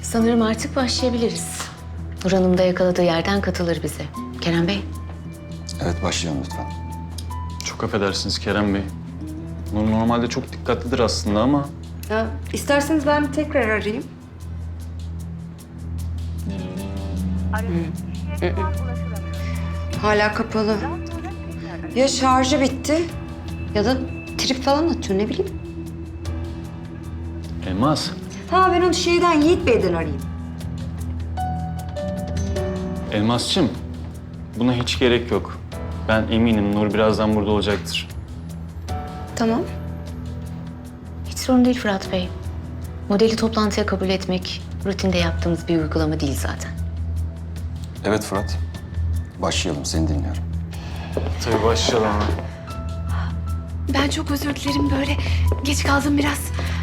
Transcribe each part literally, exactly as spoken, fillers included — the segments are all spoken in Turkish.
Sanırım artık başlayabiliriz. Nur Hanım da yakaladığı yerden katılır bize. Kerem Bey. Evet, başlayalım lütfen. Çok affedersiniz Kerem Bey. Nur normalde çok dikkatlidir aslında ama... Ya, isterseniz ben bir tekrar arayayım. Hı. Hala kapalı. Ya şarjı bitti ya da trip falan atıyor, ne bileyim. Elmas, Ha, ben onu şeyden, Yiğit Bey'den arayayım. Elmas'cığım. Buna hiç gerek yok. Ben eminim Nur birazdan burada olacaktır. Tamam. Hiç sorun değil Fırat Bey. Modeli toplantıya kabul etmek rutinde yaptığımız bir uygulama değil zaten. Evet Fırat, başlayalım. Seni dinliyorum. Tabii başlayalım. Ben çok özür dilerim, böyle geç kaldım biraz.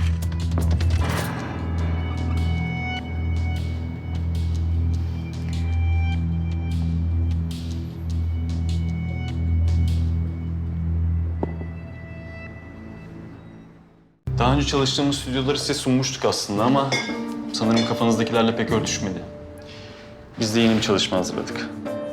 Daha önce çalıştığımız stüdyoları size sunmuştuk aslında ama... sanırım kafanızdakilerle pek örtüşmedi. Biz de yeni bir çalışma hazırladık.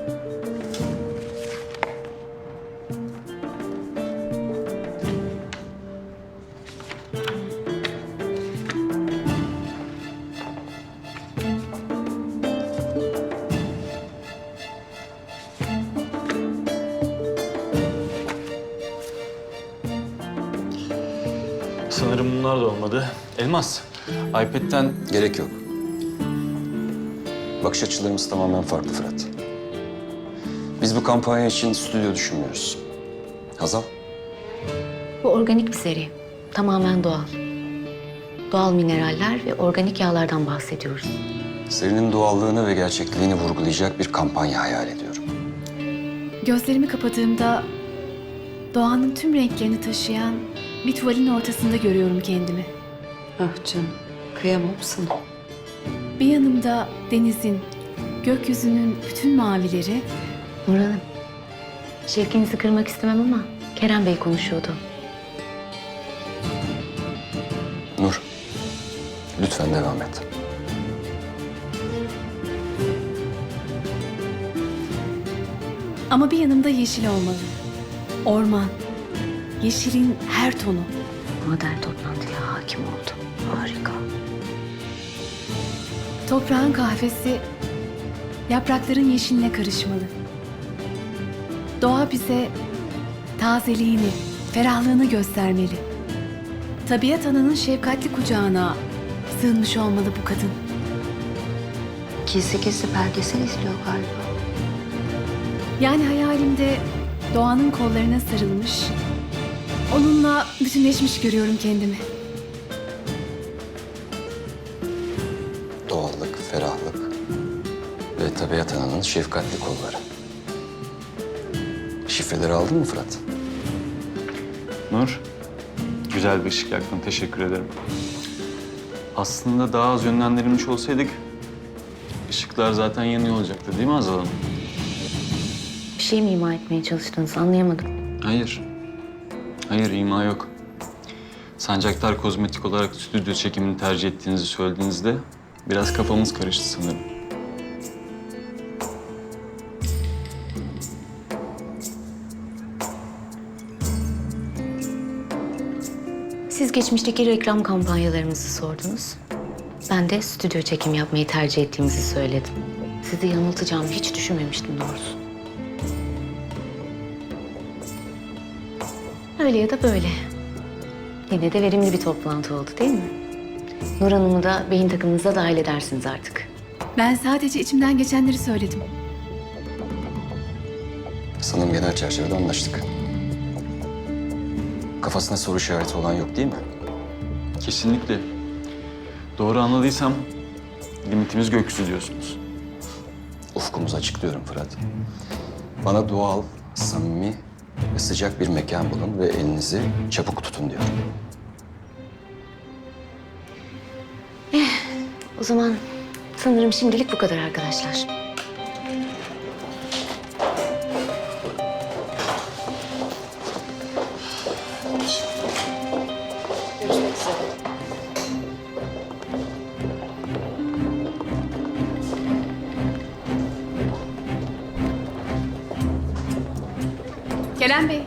Sanırım bunlar da olmadı. Elmas, iPad'den... Gerek yok. Bakış açılarımız tamamen farklı Fırat. Biz bu kampanya için stüdyo düşünmüyoruz. Hazal, Bu organik bir seri. Tamamen doğal. Doğal mineraller ve organik yağlardan bahsediyoruz. serinin doğallığını ve gerçekliğini vurgulayacak bir kampanya hayal ediyorum. Gözlerimi kapadığımda doğanın tüm renklerini taşıyan bir tuvalin ortasında görüyorum kendimi. Ah canım, kıyamam sana. Bir yanımda denizin, gökyüzünün bütün mavileri, Nur Hanım, şevkinizi kırmak istemem ama Kerem Bey konuşuyordu. Nur, lütfen devam et. ama bir yanımda yeşil olmalı. Orman, yeşilin her tonu. Model toplantıya hakim oldu. Harika. Toprağın kahvesi yaprakların yeşiline karışmalı. Doğa bize tazeliğini, ferahlığını göstermeli. Tabiat ananın şefkatli kucağına sığınmış olmalı bu kadın. Gizli gizli belgesel izliyor galiba. Yani hayalimde doğanın kollarına sarılmış, onunla bütünleşmiş görüyorum kendimi. Doğallık, ferahlık ve tabiat ananın şefkatli kolları. Şifreleri aldın mı Fırat? Nur, güzel bir ışık yaktın. Teşekkür ederim. Aslında daha az yönlendirilmiş olsaydık... ışıklar zaten yanıyor olacaktı değil mi Hazal Hanım? Bir şey mi ima etmeye çalıştınız anlayamadım. Hayır. Hayır, ima yok. Sancaktar Kozmetik olarak stüdyo çekimini tercih ettiğinizi söylediğinizde... biraz kafamız karıştı sanırım. Siz geçmişteki reklam kampanyalarımızı sordunuz. Ben de stüdyo çekim yapmayı tercih ettiğimizi söyledim. Sizi yanıltacağımı hiç düşünmemiştim doğrusu. Öyle ya da böyle. Yine de verimli bir toplantı oldu değil mi? Nur Hanım'ı da beyin takımınıza dahil edersiniz artık. Ben sadece içimden geçenleri söyledim. Sanırım genel çerçevede anlaştık. Kafasında soru işareti olan yok değil mi? Kesinlikle. Doğru anladıysam limitimiz gökyüzü diyorsunuz. Ufkumuzu açıklıyorum Fırat. Bana doğal, samimi ve sıcak bir mekan bulun ve elinizi çabuk tutun diyorum. O zaman sanırım şimdilik bu kadar arkadaşlar. Görüşmek üzere. Kerem Bey.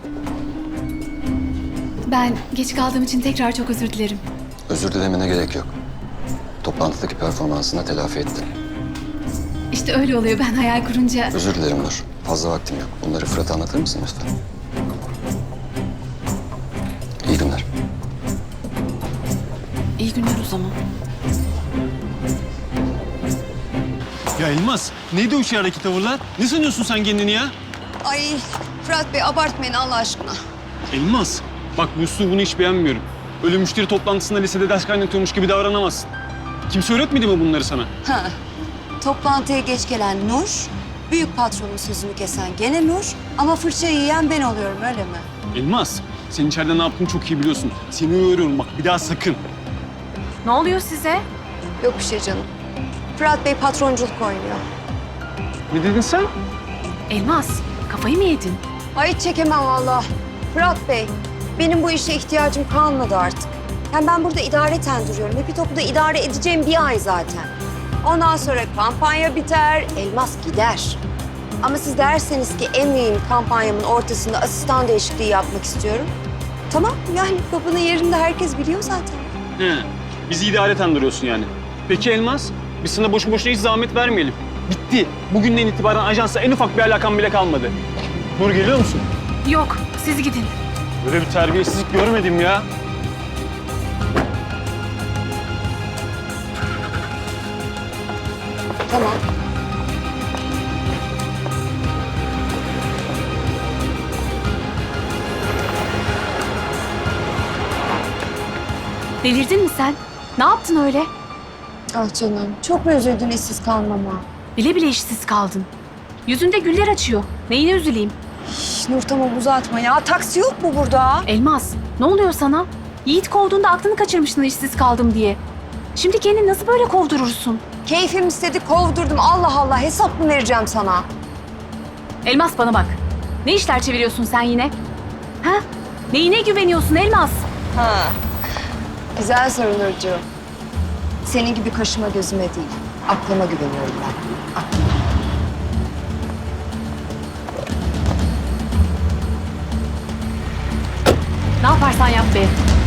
Ben geç kaldığım için tekrar çok özür dilerim. Özür dilemene gerek yok. Toplantıdaki performansına telafi ettin. İşte öyle oluyor, ben hayal kurunca. Özür dilerim Nur. Fazla vaktim yok. Bunları Fırat'a anlatır mısın lütfen? İyi günler. İyi günler o zaman. Ya Elmas, neydi o dışarıdaki tavırlar? Ne sanıyorsun sen kendini ya? Ay Fırat Bey abartmayın Allah aşkına. Elmas, bak bu üslubunu hiç beğenmiyorum. Öyle müşteri toplantısında lisede ders kaynatıyormuş gibi davranamazsın. Kimse öğretmedi mi bunları sana? Ha. Toplantıya geç gelen Nur, büyük patronun sözünü kesen gene Nur ama fırçayı yiyen ben oluyorum öyle mi? Elmas, sen içeride ne yaptığını çok iyi biliyorsun. Seni uyarıyorum bak, bir daha sakın. Ne oluyor size? Yok bir şey canım. Fırat Bey patronculuk oynuyor. Ne dedin sen? Elmas, kafayı mı yedin? Ay hiç çekemem valla. Fırat Bey, benim bu işe ihtiyacım kalmadı artık. Hem ben burada idareten duruyorum. Hepi Topu'da idare edeceğim bir ay zaten. Ondan sonra kampanya biter, Elmas gider. Ama siz derseniz ki en mühim kampanyamın ortasında asistan değişikliği yapmak istiyorum. Tamam, yani babanın yerinde herkes biliyor zaten. He, bizi idareten duruyorsun yani. Peki Elmas, biz sana boşu boşuna hiç zahmet vermeyelim. Bitti. Bugünden itibaren ajansa en ufak bir alakan bile kalmadı. Nur geliyor musun? Yok, siz gidin. Böyle bir terbiyesizlik görmedim ya. Tamam. Delirdin mi sen? Ne yaptın öyle? Ah canım, çok mu üzüldün işsiz kalmama? Bile bile işsiz kaldın. Yüzünde güller açıyor. Neyine üzüleyim? Şş, Nur tamam uzatma ya. Taksi yok mu burada? Elmas, ne oluyor sana? Yiğit kovduğunda aklını kaçırmıştın işsiz kaldım diye. Şimdi kendini nasıl böyle kovdurursun? Keyfim istedi kovdurdum. Allah Allah hesap mı vereceğim sana? Elmas bana bak. Ne işler çeviriyorsun sen yine? Ha? Neyine güveniyorsun Elmas? Ha. Güzel soru Nurcuğum. Senin gibi kaşıma gözüme değil. Aklıma güveniyorum ben. Aklıma. Ne yaparsan yap be.